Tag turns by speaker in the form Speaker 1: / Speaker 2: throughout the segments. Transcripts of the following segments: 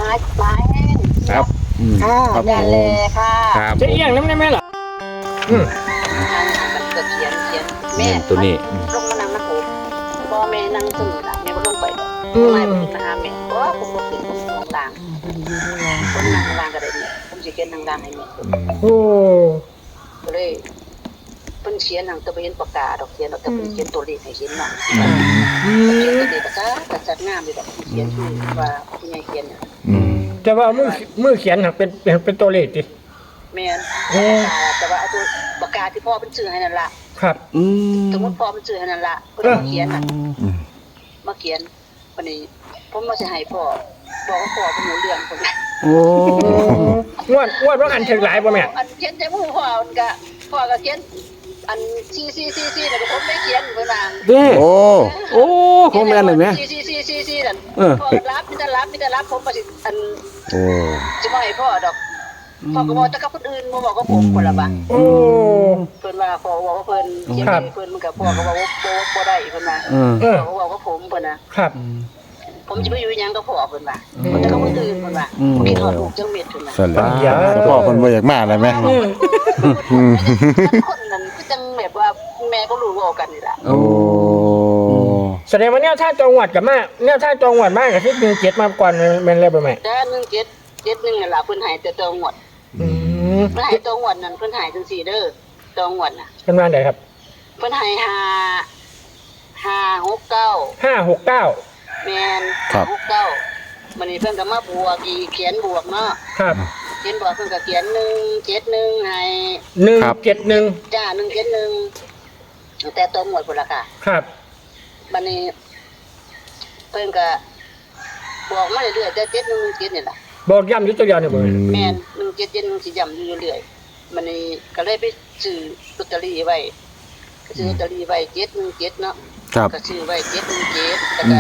Speaker 1: มาแห้ง
Speaker 2: ครับ
Speaker 3: ค่ะ
Speaker 2: ครับ
Speaker 1: แม่เลยค่ะ
Speaker 2: ครับ
Speaker 4: จะเอียงน้ำได้ไหมล่ะ
Speaker 1: ทางมันก็เขียนแม่
Speaker 2: เงินตัวนี้
Speaker 1: ลงมานั่งนะผมพ่อแม่นั่งสมุดแม่ก็ลงไปไม่ผมขึ้นมาหาแม่เพราะว่าผมก็ขึ้นผมนอนล่างผมนั่งล่างก็ได้เนี่ยผมจะเขียนนั่งล่างให้แม่
Speaker 4: โอ้
Speaker 1: ก็เลยเพิ่นเขียนหนังตะเวนประกาศดอกเขียนดอกตะเวนเขียนตัวเลขให้เขียนหนังเขียนตัวเลขก็จัดงามเลยดอกเขียนคือว่าผู้ใหญ่เขียน
Speaker 4: แต่ว่ามือเขียนเป็นตัวเลขดิ
Speaker 1: แม่นแต่ว่าเอาตัวปากกาที่พ่อเป็นชื่อให้นั่นล่ะ
Speaker 4: ครับ
Speaker 1: สมมติพ่อเป็นชื่อให้นั่นล่ะก็เลยมาเขียนน่ะมาเขียนวันนี้ผมมาสิให้พ่อบอกว่าพ่อเป็นหนูเรื่องคนละ
Speaker 2: โอ้
Speaker 4: งวดว่าอันถึงหลายป่ะแม่
Speaker 1: อันเขียนใจมือพ่อก็เขียนอันซีแล้วก็ผมไม่เขียนเพิ่นว่า
Speaker 2: เด้
Speaker 3: โอ้
Speaker 2: โอ้ของแม่นเลยไหม
Speaker 1: ซีนั่นพ่อรับมีแต่รับผมก็สิอัน
Speaker 3: โอ้
Speaker 1: สิบ่ให้พ่อดอกพ่อก็บอกแต่กับคนอื่นบ่บอกกับผมคนละบ่
Speaker 4: โอ้
Speaker 1: เพิ่นว่าพ่อบอกว่าเพิ่นเขียนให้เพิ่นมันก็พ่อก็บอกว่าบ่ได้เพิ่นว่า
Speaker 4: เออ
Speaker 1: พ่อก็บอกว่าผมเพิ่นน่ะ
Speaker 4: ครับ
Speaker 1: ผมจะไปอยู่ยังก็พ่อเพิ่นว่าแต่ก็บ่ตื่นเพิ่นว่าบ่คิดฮอดลูกจังเม็ดเพิ่นว่า
Speaker 3: สั่นแล้วพ่อคนบ่อยากมาเลยไหม
Speaker 1: คนนั้นคือจังแบบว่าแม่ก็รู้ว่ากันนี่ล่ะ
Speaker 3: โอ้
Speaker 4: แสดงว่าเนี่ยถ้าจังหวัดกับมาเนี่ยถ้าจังหวัดมากกับที่17มาก่อนแม่นเลยป่ะแม่
Speaker 1: แต่1771นั่นล่ะเพิ่นให้แต่ตองวดเพิ่นให้ตองวดนั่นเพิ่นให้จังซี่เด้อตองวดน่ะ
Speaker 4: เป็นมาไหนครับ
Speaker 1: เพิ่นให้569
Speaker 4: 569
Speaker 1: แม่น69มันนี่เพิ่นก็มาบวกอีกเขียนบวกเนาะ
Speaker 4: ครับ
Speaker 1: เขียนบวกเพิ่นก็เขียน171ให้
Speaker 4: 171
Speaker 1: จ้า171แต่ตัวหมวดพุ่นล่ะค่ะ
Speaker 4: ครับ
Speaker 1: บัดนี้เพิ่นก็บอกมาเรื่อยๆแต่717นี่ล่ะ
Speaker 4: บอกย้ำอยู่ตัวเดียวเนี่ยบ่
Speaker 1: แม่น177สิย้ำอยู่เรื่อยๆบัดนี้ก็เลยไปซื้อลอตเตอรี่ไว้ก็ซื้อลอตเตอรี่ไว้717เนาะ
Speaker 3: ครับ
Speaker 1: ก็ซื้อไว้717แล้วก็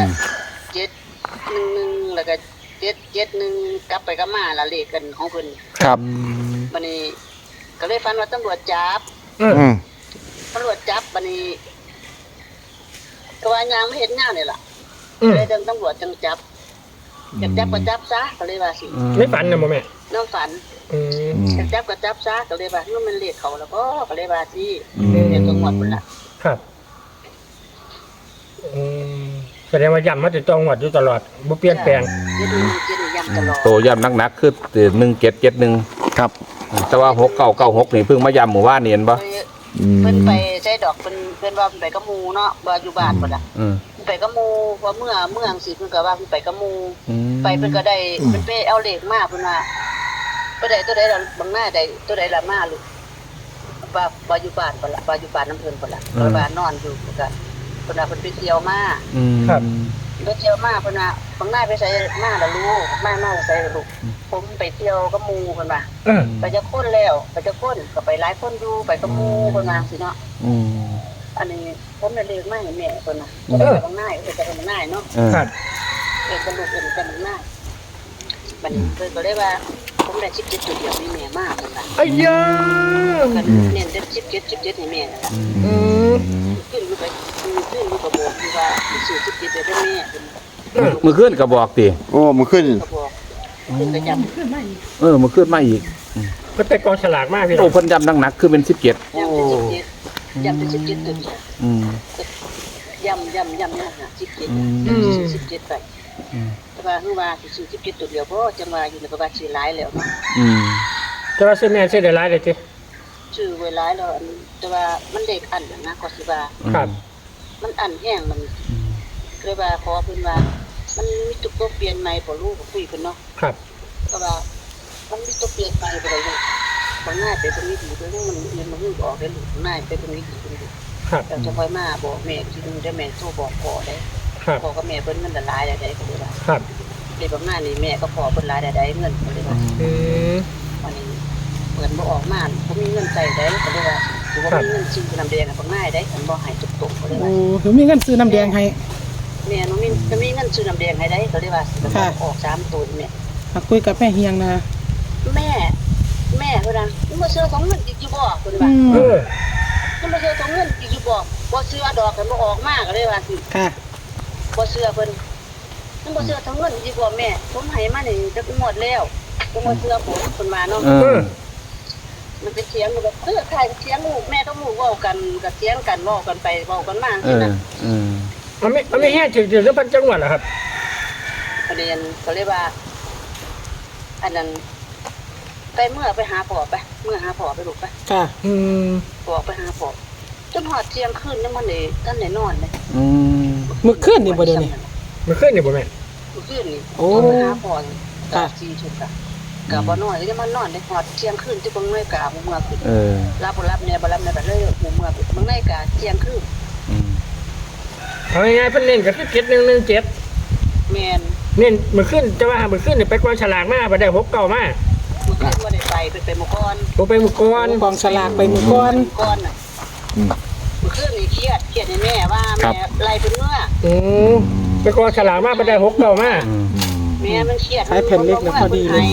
Speaker 1: 711แล้วก็771กลับไปกลับมาละเลขกันของเพิ่น
Speaker 3: ครับ
Speaker 1: บัดนี้ก็เลยฝันว่าตำรวจจับ
Speaker 3: อืม
Speaker 1: ตำรวจจับบัดนี้ก็ว่ายามไม่เห็นหน้านี่ล่ะ เลยตำรวจจังจับอยากจับก็จับซะก็เลยว่าสิ
Speaker 4: ไม่ฝันนะบ่แม่
Speaker 1: น้องฝันอยากจับก็จับซะก็เลยว่านู่นมันเลขเขาแล้วก็เลยว่าสิเดี๋ยวตัวหมดพุ่นล่ะ
Speaker 4: ครับแสดงว่าย้ำมาติดจังหวัดอยู่ตลอดบ่เปลี่ยนแปลง
Speaker 1: เดี๋ยวดูเจ็ดย้ำตลอด
Speaker 2: โตย่ำนักๆคือ1771
Speaker 3: ครับ
Speaker 2: แต่ว่า6996นี่เพิ่งมาย่ำหมู่บ้านนี่เห็นปะ
Speaker 1: เพิ่นไปใช้ดอกเพิ่นว่าเพิ่นไปกับหมู่เนาะบ่อยู่บ้านพุ่นล่ะไปกับหมู่ว่าเมื่อจังซี่เพิ่นก็ว่าเพิ่นไปกับหมู่ไปเพิ่นก็ได้เพิ่นไปเอาเลขมาเพิ่นว่าบ่ได้ตัวใดล่ะบางหน้าได้ตัวใดล่ะมาลูกว่าบ่อยู่บ้านพุ่นล่ะบ่อยู่บ้านน้ำเพิ่นพุ่นล่ะเพราะว่านอนอยู่ก็เพิ่นว่าเพิ่นไปเที่ยวมา
Speaker 4: ครับ
Speaker 1: ไปเที่ยวมาเพิ่นว่าบางหน้าไปใส่มาล่ะลูกมาใส่ล่ะลูกผมไปเที่ยวกับหมู่เพิ่นว่าไปจะคนแล้วไปจะคนก็ไปหลายคนอยู่ไปกับหมู่เพิ่นว่าสิเนาะอันนี้ผมได้เลขมาให้แม่เพิ่นน่ะบางหน้าเพิ่นจะบางหน้าเนาะ
Speaker 4: ครับ
Speaker 1: เป็นกระดูกเป็นกันหน้าบัดนี้เพิ่นก็เลยว่าผมได้17จุดเดียวนี่แม่มากเพิ่นว่า
Speaker 4: ไอ้ยา
Speaker 1: ก็เน้นได้17ให้แม่นั่นล่ะขึ้นอยู่ไปขึ้นอยู่กับบอกที่ว่าสิ17ได้แม่เพิ่น
Speaker 2: มือขึ้นก็บอกติ
Speaker 3: โอ้มันขึ้น
Speaker 1: ก็บอกขึ้นก็จำขึ้นมาอีก
Speaker 2: มือขึ้นมาอีก
Speaker 4: เพิ่นไปกองฉลากมากพี่
Speaker 2: โอ้เพิ่นย่ำนักๆคือเป็น17
Speaker 1: ย้ำเป็น17ตัวเดียวย้ำนะ17ไปแต่ว่าคือว่าสิ17ตัวเดียวบ่จังว่าอยู่ในประวัติชื่อหลายแล้วเนาะ
Speaker 4: แต่ว่าซื้อแม่ซื้อได้หลายเลยติ
Speaker 1: ชื่อไว้หลายแล้วแต่ว่ามันเด็กอันนะก็สิว่า
Speaker 4: ครับ
Speaker 1: มันอันแห้งมันเลยว่าขอเพิ่นว่ามันมีตุกตัวเปลี่ยนใหม่บ่รู้ก็คุยเพิ่นเนาะ
Speaker 4: ครับ
Speaker 1: ก็ว่ามันมีตัวเปลี่ยนใหม่บ่ได้เลยบางหน้าไปตรงนี้ดีเด้อมันเรียนมาฮู้บ่ออกได้ลูกหน้าไปตรงนี้ดีเพิ่น
Speaker 4: ครับ
Speaker 1: เราจะค่อยมาบอกแม่ทีนึงได้แม่โทรบอกพ่อได้
Speaker 4: ครับ
Speaker 1: พ่อกับแม่เพิ่นเงินหลายได้ก็เลยว่า
Speaker 4: ครับ
Speaker 1: เด็กบางหน้านี่แม่ก็พ่อเพิ่นหลายได้เงินก็เลยว่าวันนี้เพิ่นบ่ออกมาบ่มีเงินใช้ได้ก็เลยว่าสิบ่มีเงินซื้อน้ำแดงบางหน้าได้เพิ่นบ่ให้ตุกๆก็เลยว่า
Speaker 5: หนูมีเงินซื้อน้ำแดงให้
Speaker 1: แม่น้องมินจะมีเงินซื้อน้ำแดงให้ได้ก็เลยว่าสิออก3ตัวแม่
Speaker 5: มาคุยกับแม่เฮียงนะ
Speaker 1: แม่เพิ่นน่ะมึงบ่ซื้อของเงินอีกอยู่บ่เพิ่นว่า
Speaker 4: เออ
Speaker 1: มึงบ่ซื้อของเงินอีกอยู่บ่ซื้อดอกกันบ่ออกมาก็เลยว่าสิ
Speaker 5: ค่ะ
Speaker 1: บ่ซื้อเพิ่นมันบ่เชื่อทั้งเงินดีกว่าแม่ผมให้มานี่จะหมดแล้วผมบ่เชื่อผมคนมาเนาะ มันเป็นเสียงแบบใครเสียงลูกแม่ต้องลูกเว้ากันกับเสียงกันเว้ากันไปเว้ากันมาสินะ
Speaker 4: มันไม่แห้งถึงแล้วพันจังหวัดเหรอครับ
Speaker 1: ประเด็นก็เลยว่า อันนั้นไปเมื่อไปหาพ่อไปเมื่อหาพ่อไปลูกไป
Speaker 5: ค่ะ
Speaker 1: พ่อไปหาพ่อจนหอดเที่ยงคืนนี่มันเลยท่านได้นอนเลย
Speaker 5: มื้อคืนนี่บ่เดี๋ยวนี้
Speaker 4: มันขึ้นอยู่บ่แม่
Speaker 1: มื้อคืนนี่
Speaker 5: โอ้
Speaker 1: ไปหาพ่อตา4ชุดกะกะบ่นอนเลยมันนอนได้หอดเที่ยงคืนที่เบิ่งนาฬิกาเมื่อคืนรับบ่รับเนี่ยบ่รับเนี่ยแบบเลยเมื่อเบิ่งนาฬิกาเที่ยงคืน
Speaker 4: เอาง่ายๆเพิ่นเน้นกับ7117
Speaker 1: แม่น
Speaker 4: เน้นมันขึ้นจะว่ามันขึ้นไปกองฉลากมาไปได้6เก่ามา
Speaker 1: มื้อคืนบ่ได้ไปหมู่ก่อน
Speaker 4: ผมไปหมู่ก่อน
Speaker 5: กองสลากไปมื้อก่อน
Speaker 1: ก่อนน่ะมื้อคืนนี่เครียดให้แม่ว่าแม่ไล่เพิ่นเมื่อ
Speaker 4: ไปกองฉลากมาไปได้6เก่ามา
Speaker 1: แม่มันเครียด
Speaker 5: ใช้แผ่นเล็กนะพอดีเลย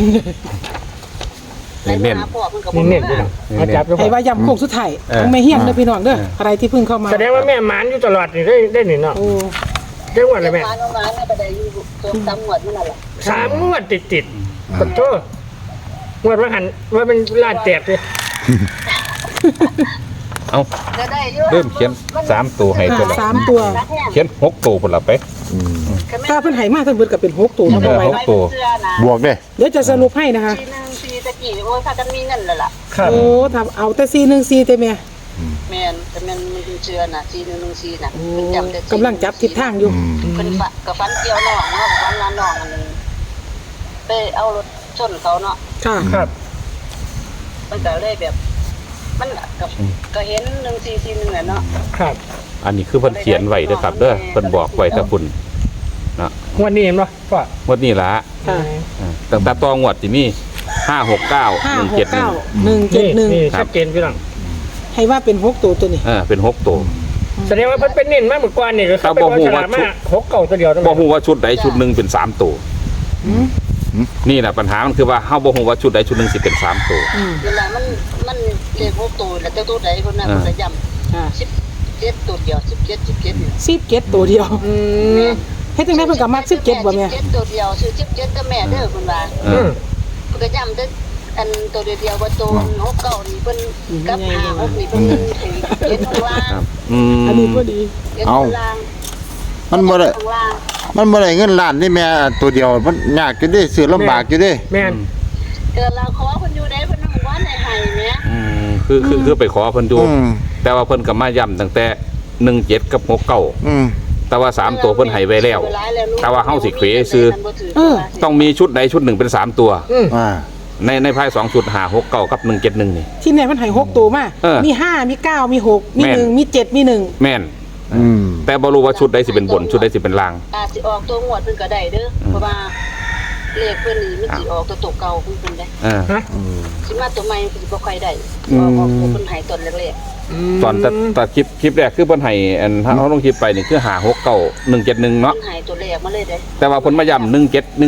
Speaker 2: เน้น
Speaker 1: พ่อเพิ่นก็
Speaker 4: นี่
Speaker 1: บ่
Speaker 4: เน้น
Speaker 1: เมื่
Speaker 4: พี่
Speaker 1: อ
Speaker 4: น้องมาจับดู
Speaker 5: ให้ว่าย้ำโค้งสุดท้ายของแม่เฮียงเด้อพี่น้องเด้ออะไรที่เพิ่งเข้ามา
Speaker 4: แสดงว่าแม่หมานอยู่ตลอดนี่ได้นี่เนาะ
Speaker 5: โอ้
Speaker 4: จังหวัดอะไรแม่
Speaker 1: มาแม่ก็ได้อยู่3งวดนั่นแหละ
Speaker 4: 3 งวดติดขอโทษงวดว่าหันว่าเป็นลาดแตกเลย
Speaker 2: เอา
Speaker 1: ก็ได้อยู่
Speaker 2: เริ่มเขียน3ตัวให้ตัวละ
Speaker 5: 3 ตัว
Speaker 2: เขียน6ตัวพุ่นละไป
Speaker 5: ถ้าเพิ่นให้มาทั้งเบิดก็เป็น6ตัวเนาะบ่ไหว
Speaker 2: หกตัว
Speaker 3: บวกเด้
Speaker 5: เดี๋ยวจะสรุปให้นะคะ
Speaker 1: ปีตะกี้โอ้ยพากันมีเงินแล้วล่ะ
Speaker 4: ครับ
Speaker 5: โอ้ทำเอาแต่414แต่แม่
Speaker 1: แม่นแต่มันเชื่อน่ะ4114น่ะ
Speaker 5: โอ้
Speaker 1: เพิ่นจำได้
Speaker 5: กำลังจับทิศทางอยู่
Speaker 1: เพิ่นก็ฟันเกี่ยวน้องเนาะฟันงานน้องอันนึงไปเอารถชนเขาเนาะ
Speaker 5: ค่ะ
Speaker 4: ครับ
Speaker 1: มันก็เลยแบบ มันก็เห็น1441น่ะเนาะ
Speaker 4: ครับ
Speaker 2: อันนี้คือเพิ่นเขียนไว้เด้อครับเด้อเพิ่นบอกไว้ถ้าคุณนะ
Speaker 4: งวดนี้เห็นป่ะพ่อง
Speaker 2: วดนี้ล่ะ
Speaker 5: ค่ะ
Speaker 2: ตั้งแต่ตองวดที่นี่569 171
Speaker 4: นี่
Speaker 5: 171
Speaker 4: ชัดเจนพี่น้อง
Speaker 5: ให้ว่าเป็น6ตัวตัวนี้
Speaker 2: เป็น6ตัว
Speaker 4: แสดงว่าเพิ่นเป็นเน้นมากเหมือนกว่านี่ก็คือไปกองฉลากมา6เก่าตัวเดียวทั้งหม
Speaker 2: บ่
Speaker 4: ด
Speaker 2: ฮู้ว่าชุดใดชุดหนึงเป็น3ตัวนี่แหละปัญหามันคือว่าเฮาบ่ฮู้ว่าชุดใดชุดหนึงสิเป็น3ตัว
Speaker 1: เวลามันเลข6ตัวแล้วแต่ตัวใดคนนั้นคนละย่ำ17ตัวเดียว17นี่
Speaker 5: 17ตัวเดียวเฮ็ดจังได๋เพิ่นก็มัก17บ่แม่
Speaker 1: 17ตัวเดียวชื่อ17ก็แม่เด้อเพิ่นว่า
Speaker 2: เออ
Speaker 1: เพิ่นก็ย่ำเด้ออันตัวเดียวว่าตัว6เก้านี่เพิ่นกับ5 6นี่เพิ่นถึง7ข้างล่าง
Speaker 2: ครับ
Speaker 5: อันนี้พอดี
Speaker 1: 7ข้างล่าง
Speaker 3: มันบ่ได้
Speaker 1: ข้างล่าง
Speaker 3: มันบ่ได้เงินล้านนี่แม่ตัวเดียวมันยากอยู่เด้ซื้อลำบากอยู่เด้
Speaker 4: แม่น
Speaker 1: เกิดเราขอเพิ่นอยู่ได้เพิ่นนำว่าในให้แม่
Speaker 2: คือไปขอเพิ่นดู
Speaker 3: อืม
Speaker 2: แต่ว่าเพิ่นก็มาย้ำตั้งแต่17กับ69
Speaker 3: อืม
Speaker 2: แต่ว่า3ตัวเพิ่นให้ไว้แล้ว แต่ว่าเฮาสิเขวซื้อ ต้องมีชุดใดชุดหนึ่งเป็น3ตัว
Speaker 3: อ่า
Speaker 2: ในภาย2ชุด5 6 9กับ171นี่
Speaker 5: ที่แน่มันให้6ตัวมา
Speaker 2: เออ
Speaker 5: มี5มี9มี6มี
Speaker 2: แม่น
Speaker 5: 1มี7มี1
Speaker 2: แม่น
Speaker 3: อืม
Speaker 2: แต่บ่รู้ว่าชุดใดสิเป็นบนชุดใดสิเป็นล่าง
Speaker 1: อาจสิออกตัวงวดเพิ่นก็ได้เด้อเพราะว่าเลขเพิ่นนี่มันสิออกตัวเก่าเพิ่นได้
Speaker 2: เออ
Speaker 1: สิมาตัวใหม่เพิ่นสิบ่ค่อยได้ออกตัวเพิ่นให้ตอนแรก
Speaker 2: ตอนตัดคลิปแรกคือเพิ่นให้อันเฮาลงคลิปไปนี่คือ5 6 9 171
Speaker 1: ๆเพิ่
Speaker 2: เนาะ
Speaker 1: นให้ตัวแรกมาเลยเด้
Speaker 2: แต่ว่าเพิ่นมาย้ำ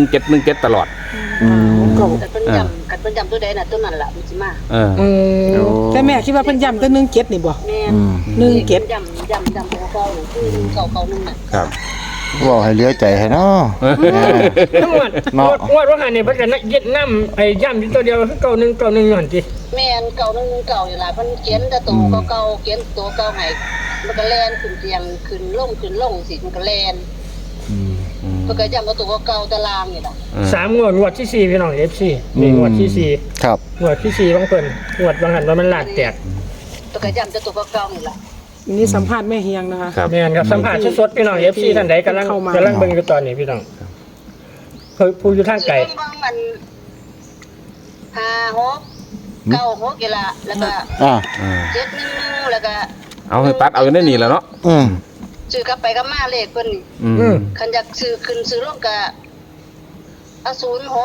Speaker 2: 17ตลอด
Speaker 3: อืม
Speaker 1: แต่เพิ่นย้ำกันเพิ่นย้ำตัวใดน่ะตัวนั้นล่ะมันสิมา
Speaker 2: เออ
Speaker 3: โอ้
Speaker 5: แต่แม่คิดว่าเพิ่นย้ำแต่17นี่บ่
Speaker 1: แม่
Speaker 3: อืม
Speaker 5: 17
Speaker 1: ย้ำตัวเก่าคือเก่าๆนึงน่ะ
Speaker 2: ครับ
Speaker 3: บอกให้เหลือใจให้เนาะ
Speaker 4: ทั้งหมดงวดว่าหันนี่เพิ่นก็ยึดนำไอ้ย่ำอยู่ตัวเดียวคือเก่า1เก่า1หั่นติ
Speaker 1: แม่นเก่านึงเก่าอยู่ล่ะเพิ่นเขียนแต่ตัวเก่าๆเขียนตัวเก่าให้มันก็แล่นขึ้นเตียงขึ้นลงสิมันก็แล่น
Speaker 3: อืม
Speaker 1: เพิ่นก็ย้ำว่าตัวเก่าตารางนี่ล่ะ
Speaker 4: 3งวดที่4พี่น้อง FC นี่งวดที่4
Speaker 3: ครับ
Speaker 4: งวดที่4ของเพิ่นงวดบางหันว่ามันลาดแตก
Speaker 1: เพิ่นก็ย้ำแต่ตัวเก่านี่ล่ะ
Speaker 5: นี่สัมภาษณ์แม่เฮียงนะคะ
Speaker 2: ครับ
Speaker 4: แม่นครับสัมภาษณ์สดๆพี่น้อง FC ท่านใดกำลัง
Speaker 5: เข้ามา
Speaker 4: เบิ่งอยู่ตอนนี้พี่น้องเคยผู้อยู่ทางไกล
Speaker 1: เบิ่งมัน5 6 9 6นี่ล่ะแล้วก็
Speaker 3: อ่า
Speaker 1: 7 1 แล้วก็
Speaker 2: เอาให้ตัดเอาอยู่ในนี่แหล้วเนาะ
Speaker 3: อืม
Speaker 1: ซื้อกลับไปกับมาเลขเพิ่นนี่ คันอยากซื้อขึ้นซื้อลงก็เอา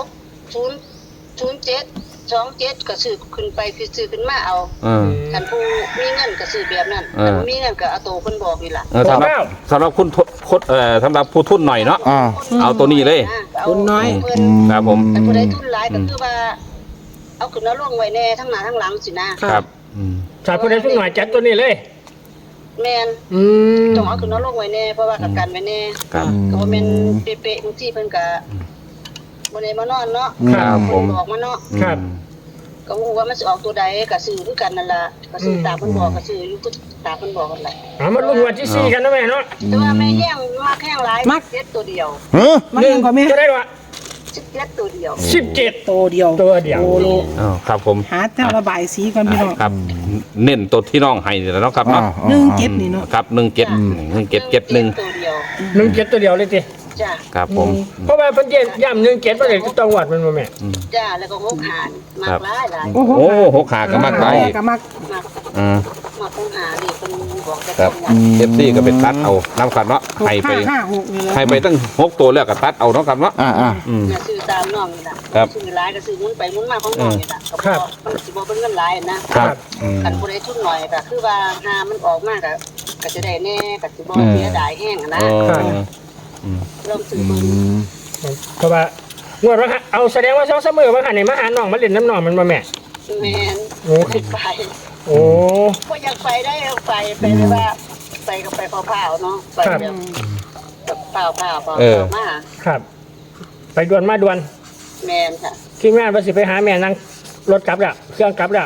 Speaker 1: 06 007 27ก็ซื้อขึ้นไปคือซื้อขึ้นมาเอา คันผู้มีเงินก็ซื้อแบบนั้นคันบ่มีเงินก็เอาตัวเพิ่นบอกนี่ล่ะ
Speaker 2: สำหรับคุณสำหรับผู้ทุนหน่อยเนาะ
Speaker 3: อ่า
Speaker 2: เอาตัวนี้เลย
Speaker 5: คนน้อย
Speaker 1: เพิ่น
Speaker 2: ครับผม
Speaker 1: คันผู้ใดทุนหลายก็คือว่า เอาขึ้นเอาลงไว้แน่ทั้งหน้าทั้งหลังสินะ
Speaker 2: ครับ
Speaker 4: ถ้าผู้ใดทุกหน่อยจัดตัวนี้เลย
Speaker 1: แม่น
Speaker 4: อืม
Speaker 1: ต้องเอาขึ้นเอาลงไว้แน่เพราะว่ากับกันไว้แน่
Speaker 2: ครับ
Speaker 1: ก็บ่แม่นเป๊ะๆบางทีเพิ่นก็บ่ได้มานอนเนาะ
Speaker 2: ครับผม
Speaker 1: เพิ่นบอกมาเนาะ
Speaker 4: ครับ
Speaker 1: ก็บ่ฮู้ว่ามันสิออกตัวใดก็ซื้อคือกันนั่นล่ะก็ซื้อตามเพิ่นบอกก็ซื้ออยู่คือตามเพิ่นบอกกันแหละ
Speaker 4: เอามาลุ้นวันที่สี่กันนะแม่เนาะ
Speaker 1: แต่ว่าแม่แย่งมากแห้งหลายเจ็ดตัวเดียว
Speaker 3: เฮ้อ
Speaker 5: มายังก่อนแม่
Speaker 4: จะได้วะ
Speaker 1: 17ตัวเดียว
Speaker 4: 17
Speaker 5: ตัวเดียว
Speaker 4: ตัวเดียว
Speaker 5: โอ้โล
Speaker 2: อ้าวครับผม
Speaker 5: หาเจ้าระบายสีก่อนพี่น้อง
Speaker 2: ครับ เน้นตัวที่น้องให้นี่แหละเนาะครับเนาะ
Speaker 5: 17นี่เนาะ
Speaker 2: ครับ1771
Speaker 1: ตัวเดียว
Speaker 4: 17ตัวเดียวเลยสิ
Speaker 1: จ้ะ
Speaker 2: ครับผม
Speaker 4: เพราะว่าเพิ่นย่ำ17ประเด็นจังหวัดมันบ่แม่
Speaker 1: จ้ะแล้วก็หกหานมากหลายหลาย
Speaker 5: โอ้โห
Speaker 2: โอ้หกขาก็มากไป
Speaker 5: ก็มัก
Speaker 1: มาก
Speaker 2: อ่า
Speaker 1: มากหกหานี่เพิ่นบอกแต่
Speaker 2: ครับ FC ก็เป็นตัดเอาน้ำขัดเนาะให้ไป
Speaker 5: 6 นี่เลย
Speaker 2: ให้ไปตั้ง6ตัวแล้วก็ตัดเอาเนาะครับเนาะ
Speaker 3: อ่า
Speaker 2: อืม
Speaker 1: ซื้อตามน้องนี่ล่ะ
Speaker 2: ครับ
Speaker 1: ซื้อหลายก็ซื้อหมุนไปหมุนมาของน้องนี่ล่ะก็บ่มันสิบ่เป็นเงินหลายนะครับ คันผู้ใดทุนน้อยก็คือว่าหามันออกมาก็จะได้แน่ก็สิบ่เสียดายแฮงนะ ลองซื้อ
Speaker 3: อื
Speaker 1: เบิ่ง
Speaker 3: ม
Speaker 4: เพราะว่างวดว่าเอาแสดงว่า2-3มื้อว่าหันนี่มาหาน้องมาเล่นน้ำน้องมันบ่แม่
Speaker 1: แม่น
Speaker 4: โอ้
Speaker 1: ไป
Speaker 4: โอ้
Speaker 1: บ่อยากไปได้ไปเลยว่าไปก็ไปเผาๆเนาะไปแบบเผามา
Speaker 4: ครับ ไปด่วนมาด่วน
Speaker 1: แม่นค่ะ
Speaker 4: ทีมงานว่าสิไปหาแม่นั่งรถกลับแล้วเครื่องกลับแล้ว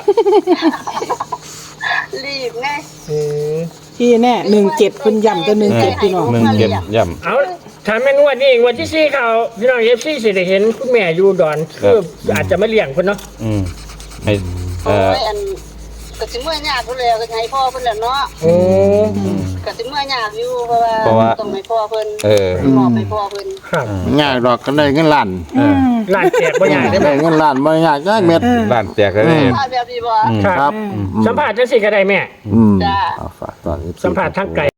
Speaker 1: รีบไง
Speaker 4: อืม
Speaker 5: ที่แน่17เพิ่นย้ำตัว17พี่น้อง
Speaker 2: 17ย่ำ
Speaker 4: เอาถามแม่นวดนี่วันที่สี่เขาพี่น้อง FC สิได้เห็นคุณแม่อยู่ดอนคืออาจจะมาเลี้ยงเพิ่นเนาะ
Speaker 2: ให้
Speaker 1: โอ้ยอันก็สิเมื่อยากพุ่นแล้วก็ให้พ่อเพิ่นแล้วเนาะ
Speaker 4: โอ้
Speaker 1: ก็สิเมื่อยากอยู่เพราะว่าต้องให้พ่อเพิ่นมอบให้พ่อเพิ่น
Speaker 4: ครับ
Speaker 3: ง่ายดอกกันได้เงินล้าน
Speaker 4: ร้านแจกบ่ใหญ่ได้ไหม
Speaker 3: ได้เงินล้านบ่ยากจักเม็ด
Speaker 2: บ้านแจกเลย
Speaker 1: พ่อแบบนี้บ่
Speaker 3: ครับ
Speaker 4: สัมภาษณ์จังซี่ก็ได้แม่
Speaker 3: อืม
Speaker 1: จ้า
Speaker 3: เอาฝากตอนนี้
Speaker 4: สัมภาษณ์ทางไกล